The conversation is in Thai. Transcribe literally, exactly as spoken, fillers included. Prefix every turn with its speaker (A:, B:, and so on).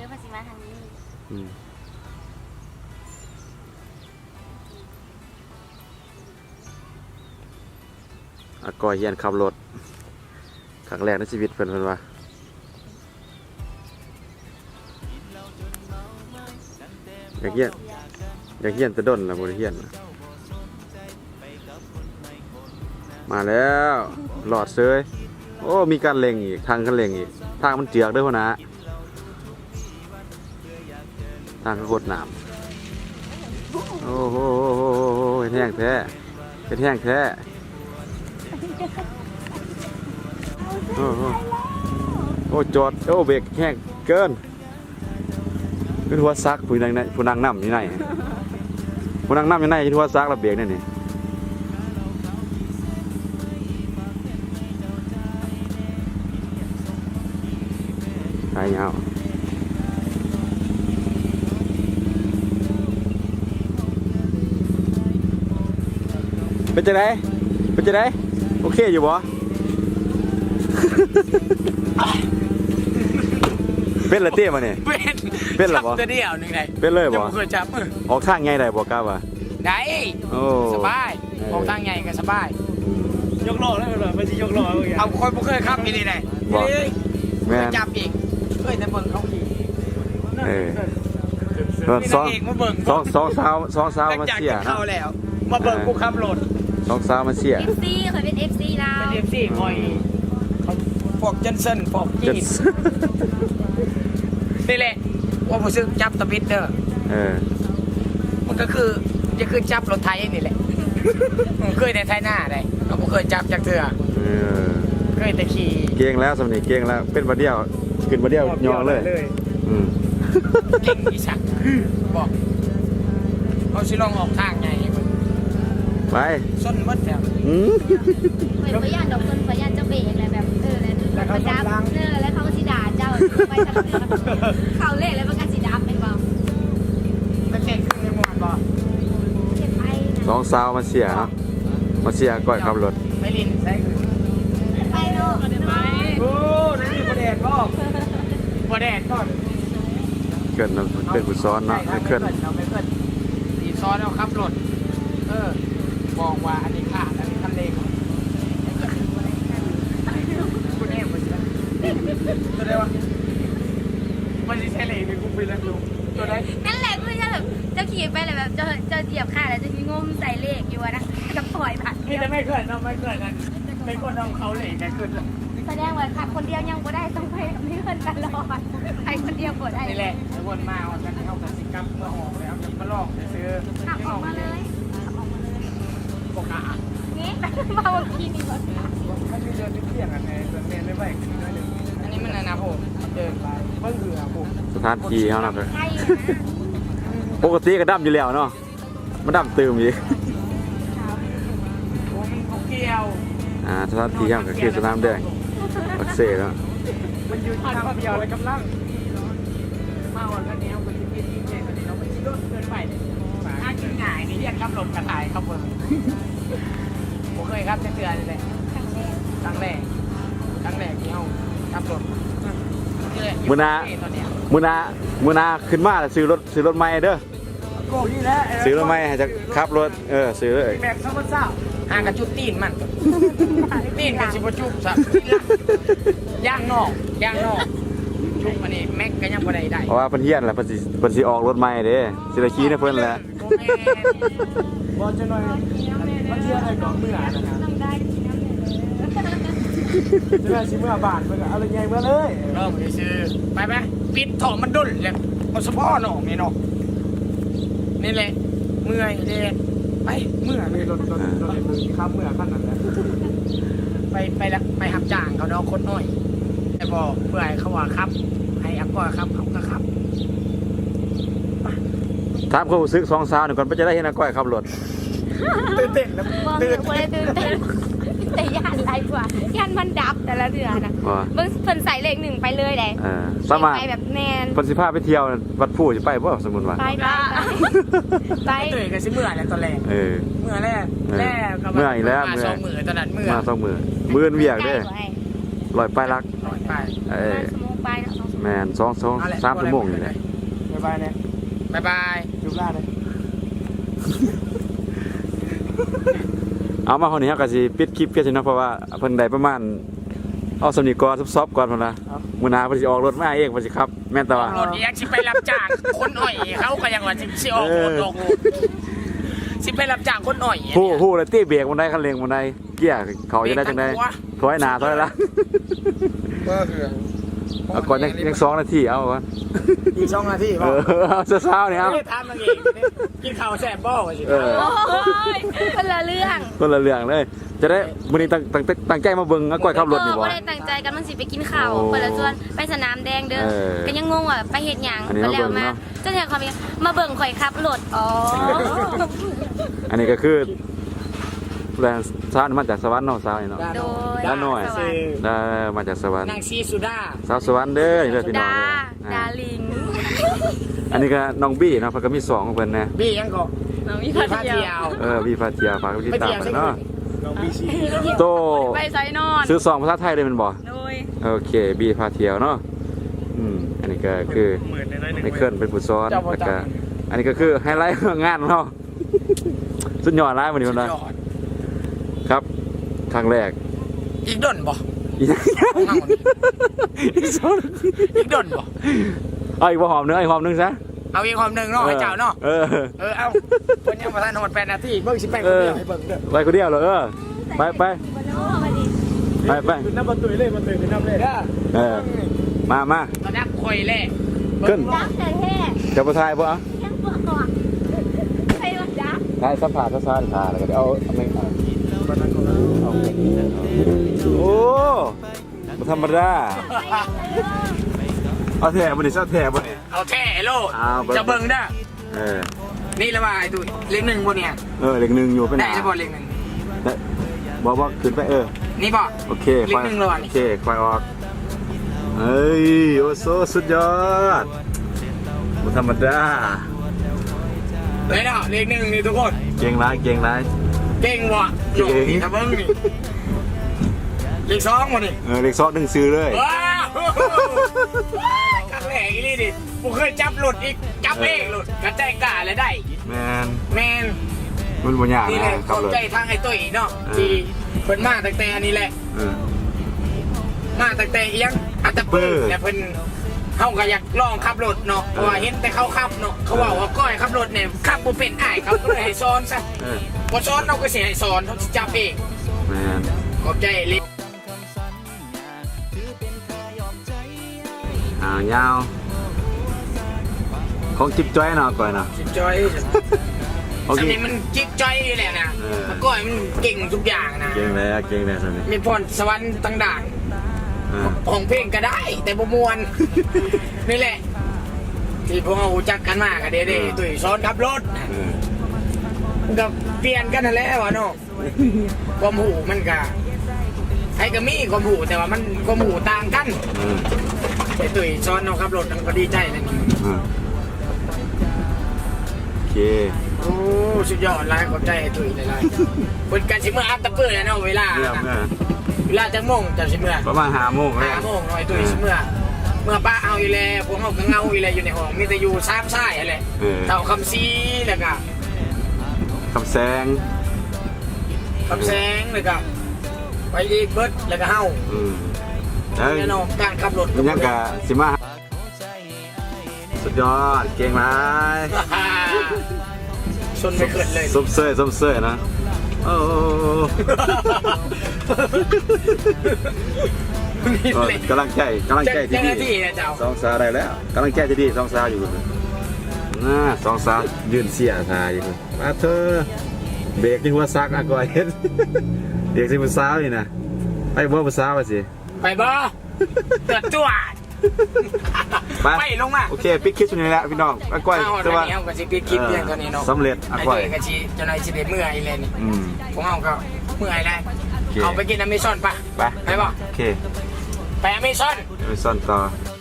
A: อภาษีมาทางนี้
B: อืมอากอยเฮียนขับรถครั้งแรกในชีวิตเพิ่นเพิ่นว่าอยากเฮียนอยากเฮียนแต่ด้นแล้วบ่ได้เฮียนมาแล้วหลอดเซยโอ้มีการเล็งอีกทางกันเล็งอีกทางมันเจือกเด้อพ่อนะทางก็โคตรหนามโอ้โหเห็นแห้งแท้เห็นแห้งแท้โอ้โหโอ้จอดโอ้เบรกแห้งเกินเป็นหัวซักผู้นั่งในผู้นั่งน้ำอยู่ไหนผู้นั่งน้ำอยู่ไหนที่หัวซักระเบียงนี่นี่ไปยาวเป็นจะไดเป็นจะไดโอเคอยู่บ่เป็นละเตี้ยมาเนี่ย
C: เป็น
B: เป็นหรอบ่
C: จับตัวเดียวนึงไง
B: เป็นเลยบ่
C: เคยจับ
B: ออกทางไงได้บ่กล้าว่ะ
C: ได้
B: โอ้
C: สบายออกทางใหญ่ก็สบาย
D: ยกล้อได้เหรอไม่ใช่ยกล้อ
C: เอาคนบ่เคยขับนี่ได้
B: แม่
C: จับอีกเคยแต่เบิ่งเขาขี่
B: เออสองสองสองสาวสองสาวมาเสีย
C: เข้าแล้วมาเบิ่งกูขับรถ
B: สองสาวมาเสีย
A: เอฟซีเคยเป็นเอฟซีเรา
C: เป็นเอฟซีคอยพวกเจนเซนพวกจีนนี่แหละว่าผมซื้อจับตะบิดเด้อ
B: เออ
C: มันก็คือจะคือจับรถไทยนี่แหละผมเคยในไทยหน้าได้ผมเคยจับจากเถื่อเคยแต่ขี่
B: เก่งแล้วสำเนียงเก่งแล้วเป็นประเดียวขึ้นประเดียวยองเลยอืม
C: เก่งอีสักบอกเขาสิลองออกทางไง
B: ไป
C: ส้นมัดแถว
B: อืม
A: เหมือนพยานดอกต้นพยานเจ้าเบรกอะไรแบบเออแล้วเขาดับเออแล้วเขาก็สีด่าเจ้าไปทางเรือเขาเล่แล้วมันก็สีดับเป็นบ่
C: มันเก่งขึ้นในหมวดบ่
A: เก็บไป
B: สองสาวมาเสียเนาะมาเสียก่อยขับรถ
C: ไม่ลินใช่
A: ไปโน่ไป
C: โอ้นั่นคือประเด็นบ่ประเด็นก่อน
B: เกิดมันเป็นผู้ซ้อนเนาะไม่เกิด
C: เราไม่เกิดดีซ้อนเอาขับรถเออบอกว่าอันนี้ขาดอันนี้คันเร่งคุณเอ็มมันจะตัวได้วะมันจะใช่เลยมีกุ้งบินแล้วดูตัวได้
A: นั่นแหละคือจะแบบจะขี่ไปเลยแบบจะจะเหยียบขาแล้วจะมีงมใส่เลขอยู่นะจะปล่อยผ่าน
C: นี่จะไม่เกิดเราไม่เกิดกันไม่คนเอาเขาเลยแต่ขึ้น
A: แสดงว่าขับคนเดียวยังบ่ได้ต้องไปไม่เกินตลอดไปคนเดียวบ่ได้
C: นี่แหละวนมาเอากันเข้ากับสิกับเมื่อหอกแล้วจะมาลอกซื้อ
A: ขับออกมาเลยขับออกมาเลย
C: ปกติ
A: นี่มาวันที่นี่ก่อน
C: มันมีเดินเที่ยงกันในเดินเมนไม่ไหวขึ้นด้วยหนึ่งอันนี้มันนะผมเดินไปเพิ่งเรือผม
B: สถานที่เขาหนักเลยปกติก็ดำอยู่แล้วเนาะมันดำตื่มอีก
C: โอ้มันเกี่ยว
B: อ่าสถานที่เขาก็คือสนามแดงปักเซ่แล้ว
C: มันอยู่ที่ทางเดียวเลยกำลังมาวันกันนี้เอาไปที่ที่ที่เนี่ยตอนนี้เราไปที่รถเกินไปถ้ากินง่ายนี่เรียกขับลมกระถ่ายขับเบอร์ผมเคยครับเตือนเลยครั้งแรกครั้งแรกที่เขาขับรถ
B: มือนามือนามือนาขึ้นมาแล้วซื้อรถซื้อรถใหม่เด้อซื้อรถใหม่ให้จะขับรถเออซื้อเลย
C: แม็กซ์ซัมเมอร์ซ่าห่างกับจุดตีนมันตีนกับชิบจุบสับย่างนอกย่างนอกจุบมันนี่แม็กก็ยังบ่ได้ได้
B: เพราะว่าเพิ่นเฮียนแหละเพิ่นสิเพิ่นสิออกรถใหม่เด้สิได้ขี่นะเพิ่นแหละ
C: บ่จะหน่อยมันเที่ยวได้กองเมื่อนะครับ
A: ต้องได้กินน้ำเลย
C: เมื่อสิเมื่อบาทเพิ่นก็เอาเลยใหญ่เมื่อเลยเริ่มซื้อไปไหมปิดถอมันดุลเลยเอาเฉพาะหนองนี่เนาะนี่แหละเมื่อยเด้ไปเมื่อเลยรถรถรถมือข้ามเมื่อขั้นนั้นแหละไปไปละไปหับจ้างเขาเนาะคนน้อยแต่บอกเพื่อให้เขาว่าครับให้อักก็ครับเขาก็ครับ
B: ถามความรู้สึกสองสาวหนึ่งก่อนเพื่อจะได้เห็นอาก้อยขับรถ
C: ตื่นเต้นนะ
A: ตื่นเต้นตื่นเต้นแต่ย่านไรกว่าย่านมันดับแต่ละเดือนนะเบิ่งเพิ่นใส่เลขหนึ่งไปเลยได้
B: สามารถ
A: ไปแบบแมน
B: เพิ่นสิพาไปเที่ยววัดผู้จะไปบ่สมมุติว่า
A: ไปไปไป
C: ตื่นกันสิเมื่อแล้วตอนแรก
B: เออ
C: เมื่อแรกแรก
B: เมื่ออีกแล้ว
C: มาสองมือตอนนั้นเมื่อ
B: มาสองมือมื้อเวียกเด้ลอยไปลัก
C: ลอยไป
B: เออ
A: สมองไปนะสองสมอง
B: แมนสองสองสามชั่วโมงนี่แหละ
C: บ๊ายบายเนี่ยบ๊ายบายจุบล่าเลย
B: เอามาคนนี้ครับก็สิปิดคลิปแค่นี้เนาะเพราะว่าเพิ่นได้ประมาณเอาสำนีก่อนซอฟๆก่อนพุ่นนะมื้อหน้าเพิ่นสิออกรถมาเองเพิ่นสิครับแม่นตะว่าร
C: ถยังสิไปรับจ้างคนอ่อยเขาก็ยังว่าสิออกรถออกรถสิไปรับจ้างคนอ่อย
B: ฮู้ฮู้แล้วตีเบรกบ่ได้คันเร่งบ่ได้เกียร์เขาจะได้จังได๋ถอยหน้าถอยหลัง
C: ก็คือ
B: เอาก่อนยังยังสองนาทีเอาก่อน
C: อีกสองนาที
B: เออเอาเช้าๆนี่เอา
C: ไม่ได้ทำมันเองกินข้าวแซ่บบ่กันสิ
B: เออ
A: โอ้ยคนละเรื่อง
B: คนละเรื่องเลย จะได้มื้อนี้ตั้งตั้งตั้งใจมาเบิ่งอาก้อยขับรถนี่บ่
A: ไม่ได้ตั้งใจกันมันสิไปกินข้าว
B: โอ้
A: เปิดละส่วนไปสนามแดงเด้อ
B: เออ
A: ก็ยังงงว่าไปเฮ็ดหยัง
B: อันนี้
A: ไป
B: มา
A: แล้ว
B: เบิ่ง
A: มา
B: เนาะ
A: เจ้าแทนความเป็นมาเบิ่งข่อยขับรถอ๋อ
B: อันนี้ก็คือแรงสาวนี่มาจากสวรรค์เนาะสาวนี่เนาะ
A: โดย
B: ด้านหน่อย
A: สวรรค์
B: ได้มาจากสวรรค์
C: นางซีสุดา
B: สาวสวรรค์เด้อนี่เด้อพี่น้อง
A: ดา
B: เด้อ
A: ดา
B: อ่า
A: ลิง
B: อันนี้ก็น้องบี้เนาะเพิ่นก็มีสองของเพิ่นนะ
C: บี้ยังก็
A: น้องมี
C: บี้
A: พา
C: พา
A: เที่
C: เที่
A: ย
C: ยว ว
B: เออบี้พาเที่ยวฝากไว้ติด
C: ไป
B: ตาม
C: เที่ยว
B: เพิ่
C: ใช่
B: น
C: ไหม
B: เนาะ
C: น้องบีซี
B: โต
A: ไปไซนอน
B: ซื้อซองภาษาไทยได้แม่นบ่
A: โดย
B: โอเคบี้พาเที่ยวเนาะอืมอันนี้ก็คือ
D: หมื่นในน้อยหนึ่ง
B: ในเคลื่อนเป็นผู้ซ้อนแล้วก็อันนี้ก็คือไฮไลท์ของงานของเราสุดยอดร้ายวันนี้คนละครับครั้งแรก
C: อีกดนบ่
B: อีก อีกสอง
C: อีกดนบ่
B: เอาอีกบ่หอมเนื้ออีกหอมหนึงซะ
C: เอาอีกความหนึ่งเนาะให้เจ้าเนาะ
B: เออ
C: เออเอาเพิ่นยังมาทันหมดแปดนาทีเบิ่งสิไปคนเดียวให้เบิ่งเด้อ
B: ไปคนเดียวเหรอเออไปไปไปไป
D: คือน้ำประตูเลยมันตื่นคือน้ำเลย
C: เด้อ
B: เออมามา
C: ระดับข่อยแหละ
B: ขึ้น
A: ดักแต่แท้
B: จะไปถ่ายบ่เอา
A: ยังปวดก่อนใครว่าดัก
B: ถ่ายสัมผัสซะซะถ่ายแล้วก็เดี๋ยวเอาเอาไม่เอาโอ้บ่ธรรมดาเอาแท้บ่นี่เอาแท้บ่นี่
C: เอาแท้โลด
B: เอาเบิ่ง
C: จะเบิ่งเด้อ
B: เออ
C: นี่ละว่าไอ้ตุ้ยเลขหนึ่งบ่เนี่ย
B: เออเลขหนึ่งอยู่ไปไหน
C: ได้จะบ่เลขหนึ่ง
B: ได้บอกว่าขึ้นไปเออ
C: นี่บ่
B: โอเค
C: เลขหนึ่งเลยว่ะนี่
B: โอเคควายออกเอ้ยโอโซสุดยอดบ่ธรรมดา
C: เลยเนาะเลขหนึ่งนี่ทุกคน
B: เก่งร้ายเก่งร้าย
C: เก่งว่ะ
B: เก่ง
C: นี่ถ้าเบิ่งนี่เลขสองบ่นี่
B: เออเลขซอสหนึ่งซื้อเลย
C: ว้าวครั้งแรกอีนี่ดิกูเคยจับหลุดอีกจับเองหลุดกระจายกล้าเลยได้
B: แมน
C: แมน
B: มันบ่ยาก
C: นี่
B: นะ
C: แหละ
B: ค
C: ข
B: รับ
C: อบ
B: เลย
C: ใจทางไอ้ตุ้ยเนาะ
B: เออ
C: ที่เพิ่นมาตั้งแต่อันนี้แหละ
B: เออ
C: มาตั้งแต่เอียงอัตตะปื้อ
B: เออ
C: แต่เพิ่นเขาก็อยากลองขับรถเนาะเพราะว่าเห็นแต่เขาขับเนาะเขาว่าว่าก้อยขับรถเนี่ยขับบ่เป็นอ้ายเขาก็เลยให้สอนซะ
B: เออ
C: บ่สอนเราก็สิให้สอนเขาสิจับเอง
B: แมน
C: ขอบใจลิ
B: อ่ายาว ของจิ๊บจ้อยเนาะก่อยเนาะ
C: จิบจอย
B: ของ
C: ส
B: จิ๊บ
C: นี้มันจิ๊บจอยแหละนะ
B: เออ
C: มันก้อยมันเก่งทุกอย่างนะ
B: เก่งแล้วเก่งแล้วสันนี่
C: มีพรสวรรค์ต่างด่าน
B: เออ
C: ของเพลงก็ได้ แต่บ่มวน นี่แหละ ที่พวกเรารู้จักกันมากอะเด้ๆตุ้ยสอนขับรถ
B: เออ
C: มันก็เปลี่ยนกันนั่นแหละวะเนาะความหูมันก็ใครก็มีความหูแต่ว่ามันความหูต่างกัน
B: เออ
C: ไอ้ตุ้ยสอนเราขับรถมันก็ดีใจนะนี่
B: เออโอเค
C: โอ้สุดยอดหลายขอบใจไอ้ตุ้ยหลายๆคนกันสิเมื่ออัพตะเปื้อแล้วเนาะเวลา
B: เมื่อเมื่อ
C: เวลาจะโมงจะสิเมื่อ
B: ประมาณห้าโมงแล้ว
C: ห้าโมงเนาะไอ้ตุ้ยสิเมื่อเมื่อป้าเอาอยู่แล้วพวกเขาก็เงาอยู่แล้วอยู่ในห้องมีแต่อยู่ซ้ำซ้ายอะไร
B: เออ
C: เต่าคำซีแล้วก็
B: คำแซง
C: คำแสงแล้วก็ไปอีกเบิร์ดแล้วก็เฮา
B: อืมแล้ว
C: แน่นอนการขับรถ
B: มันยังกะสิมาสุดยอดเก่งไหม
C: ชนไม่เกิดเลย
B: ส้มเสยส้มเสยนะโอ้โห
C: นี่
B: โอ้
C: เลย
B: กำลังใจกำลังใจที่
C: เจ้าห
B: ดี
C: น้าที่นะเจ้า
B: สองสาวได้แล้วกำลังใจที่ดีสองสาวอยู่น่าสองสาวยืนเสียทายอยู่มาเธอเบรกที่หัวซักอะก่อยเห็นเด็กสิบุษาวนี่นะไปบ่บุษาวไปสิ
C: ไปบ่เกิดตัว
B: ไป
C: ไปลงมา
B: โอเคปิดคลิปตรงนี้แหละพี่น้องอะก่อย
C: เอา
B: แต่ว่า
C: เนี้ยก็สิปิดคลิปเพียงเท่านี้เนาะ
B: สำเร็จอะ
C: ไอ้
B: ก่อย
C: เด็กก็สิเจ้านายสิได้เมื่อยเลยนี่
B: อืม
C: พวกเราก็เมื่อยแล้ว
B: โอเค
C: เอาไปกินอเมซอนปะ
B: ไป
C: ไปบ่
B: โอเค
C: ไปอเมซอน
B: ไปซ่อนต่อ